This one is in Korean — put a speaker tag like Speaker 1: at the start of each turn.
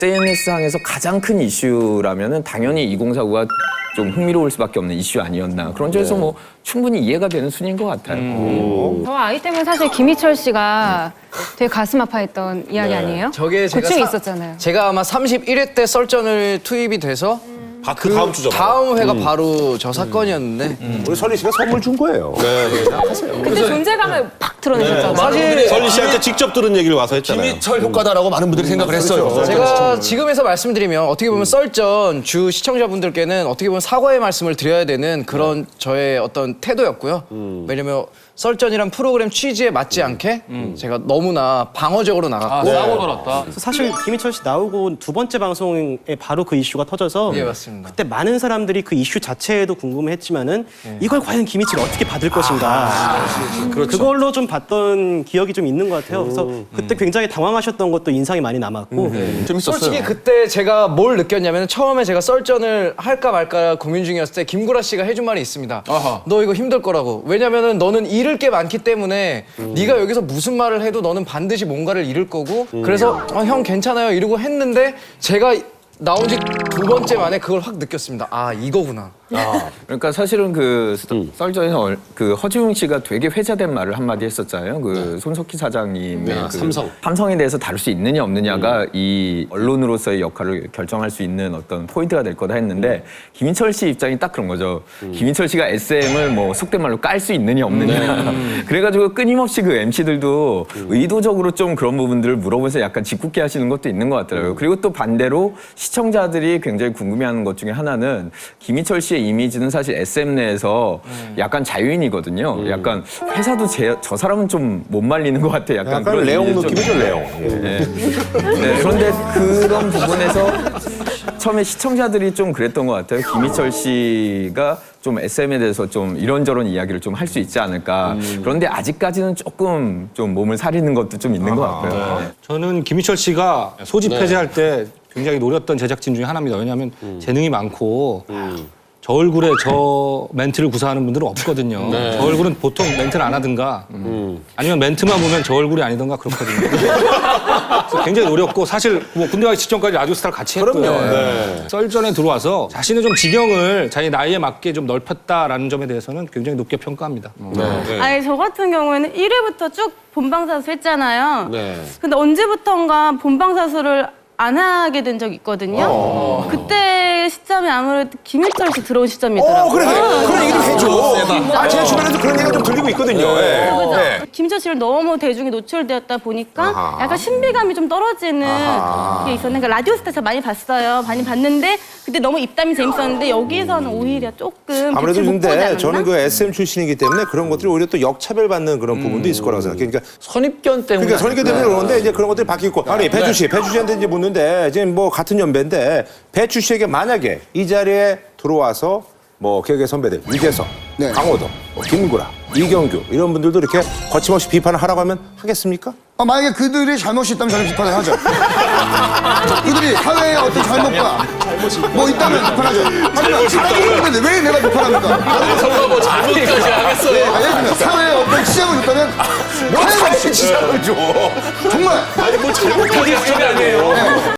Speaker 1: SNS상에서 가장 큰 이슈라면은 당연히 2049가 좀 흥미로울 수밖에 없는 이슈 아니었나. 그런 점에서 뭐 충분히 이해가 되는 순위인 것 같아요.
Speaker 2: 저 아이템은 사실 김희철 씨가 되게 가슴 아파했던 이야기 아니에요?
Speaker 3: 저게 제가
Speaker 2: 고충이 있었잖아요.
Speaker 3: 제가 아마 31회 때 썰전을 투입이 돼서
Speaker 4: 그 다음 주죠.
Speaker 3: 다음 회가 바로 저 사건이었는데
Speaker 5: 우리 설리 씨가 선물 준 거예요.
Speaker 2: 그때 존재감을 팍 드러내셨잖아요.
Speaker 3: 사실
Speaker 4: 설리 씨한테 직접 들은 얘기를 와서 했잖아요.
Speaker 5: 김희철 효과다라고 많은 분들이 생각을 했어요.
Speaker 3: 제가 지금에서 말씀드리면 어떻게 보면 썰전 주 시청자분들께는 어떻게 보면 사과의 말씀을 드려야 되는 그런 저의 어떤 태도였고요. 왜냐면 썰전이란 프로그램 취지에 맞지 않게 제가 너무나 방어적으로 나갔고
Speaker 6: 싸고 놀았다.
Speaker 7: 사실 김희철 씨 나오고 두 번째 방송에 바로 그 이슈가 터져서
Speaker 3: 예, 맞습니다.
Speaker 7: 그때 많은 사람들이 그 이슈 자체에도 궁금해했지만은 이걸 과연 김희철이 어떻게 받을 것인가 그걸로 좀 봤던 기억이 좀 있는 것 같아요. 그래서 그때 굉장히 당황하셨던 것도 인상이 많이 남았고
Speaker 3: 솔직히 그때 제가 뭘 느꼈냐면 처음에 제가 썰전을 할까 말까 고민 중이었을 때 김구라 씨가 해준 말이 있습니다. 너 이거 힘들 거라고. 왜냐면은 너는 잃을 게 많기 때문에 네가 여기서 무슨 말을 해도 너는 반드시 뭔가를 잃을 거고 그래서 형 괜찮아요 이러고 했는데 제가 나온 지 두 번째 만에 그걸 확 느꼈습니다. 아 이거구나.
Speaker 1: 그러니까 사실은 그 썰전에서 그 허지웅 씨가 되게 회자된 말을 한마디 했었잖아요. 그 손석희 사장님의 그 삼성에 대해서 다룰 수 있느냐 없느냐가 이 언론으로서의 역할을 결정할 수 있는 어떤 포인트가 될 거다 했는데 김인철 씨 입장이 딱 그런 거죠. 김인철 씨가 SM을 뭐 속된 말로 깔 수 있느냐 없느냐. 그래가지고 끊임없이 그 MC들도 의도적으로 좀 그런 부분들을 물어보면서 약간 짓궂게 하시는 것도 있는 것 같더라고요. 그리고 또 반대로 시청자들이 굉장히 궁금해하는 것 중에 하나는 김인철 씨의 이미지는 사실 SM 내에서 약간 자유인이거든요. 약간 회사도 저 사람은 좀 못 말리는 것 같아. 약간 그런
Speaker 5: 레옹
Speaker 1: 이미지 좀-
Speaker 5: 느낌이죠, 레옹.
Speaker 1: 네, 그런데 그런 부분에서 처음에 시청자들이 좀 그랬던 것 같아요. 김희철 씨가 좀 SM에 대해서 좀 이런저런 이야기를 좀 할 수 있지 않을까. 그런데 아직까지는 조금 좀 몸을 사리는 것도 좀 있는 것 같고요. 네.
Speaker 6: 저는 김희철 씨가 소집 해제할 때 굉장히 노렸던 제작진 중에 하나입니다. 왜냐하면 재능이 많고 저 얼굴에 저 멘트를 구사하는 분들은 없거든요. 저 얼굴은 보통 멘트를 안 하든가 아니면 멘트만 보면 저 얼굴이 아니던가 그렇거든요. 그래서 굉장히 노렸고 사실 뭐 군대 가기 직전까지 라디오스타를 같이 했고요. 썰전에 들어와서 자신의 좀 지경을 자기 나이에 맞게 좀 넓혔다라는 점에 대해서는 굉장히 높게 평가합니다.
Speaker 2: 아니 저 같은 경우에는 1회부터 쭉 본방사수 했잖아요.
Speaker 5: 네.
Speaker 2: 근데 언제부턴가 본방사수를 안 하게 된 적이 있거든요. 그때 시점이 아무래도 김희철 씨 들어온 시점이더라고요.
Speaker 5: 그래. 그런 얘기를 해줘. 제 주변에도 그런 얘기가 좀 들리고 있거든요. 예.
Speaker 2: 김희철 씨를 너무 대중에 노출되었다 보니까 약간 신비감이 좀 떨어지는 게 있었는데 그러니까 라디오스타 저 많이 봤어요. 많이 봤는데 그때 너무 입담이 재밌었는데 여기서는 오히려 조금
Speaker 5: 아무래도
Speaker 2: 빛을 못 보지
Speaker 5: 근데
Speaker 2: 않았나?
Speaker 5: 저는 그 SM 출신이기 때문에 그런 것들이 오히려 또 역차별받는 그런 부분도 있을 거라고 생각해요. 그러니까
Speaker 1: 선입견 때문에.
Speaker 5: 그러니까 선입견 때문에 그러는데 이제 그런 것들이 바뀌고 아니 배추 씨한테 이제 묻는데 이제 뭐 같은 연배인데 배추 씨에게 만약에 이 자리에 들어와서 뭐 개그의 선배들 유재석, 강호동, 김구라, 이경규 이런 분들도 이렇게 거침없이 비판을 하라고 하면 하겠습니까?
Speaker 8: 만약에 그들이 잘못이 있다면 저는 비판을 하죠. 그들이 사회에 어떤 잘못과 뭐 있다면 비판하죠. 하지만 잘못인데 왜 내가 비판합니까?
Speaker 4: 설마 뭐 잘못까지 하겠어요.
Speaker 8: 예를 들면 사회에 어떤 지장을 줬다면
Speaker 5: 뭐 사회 지장을 줘.
Speaker 8: 정말
Speaker 4: 아니 뭐 잘못까지 했을 게 아니에요.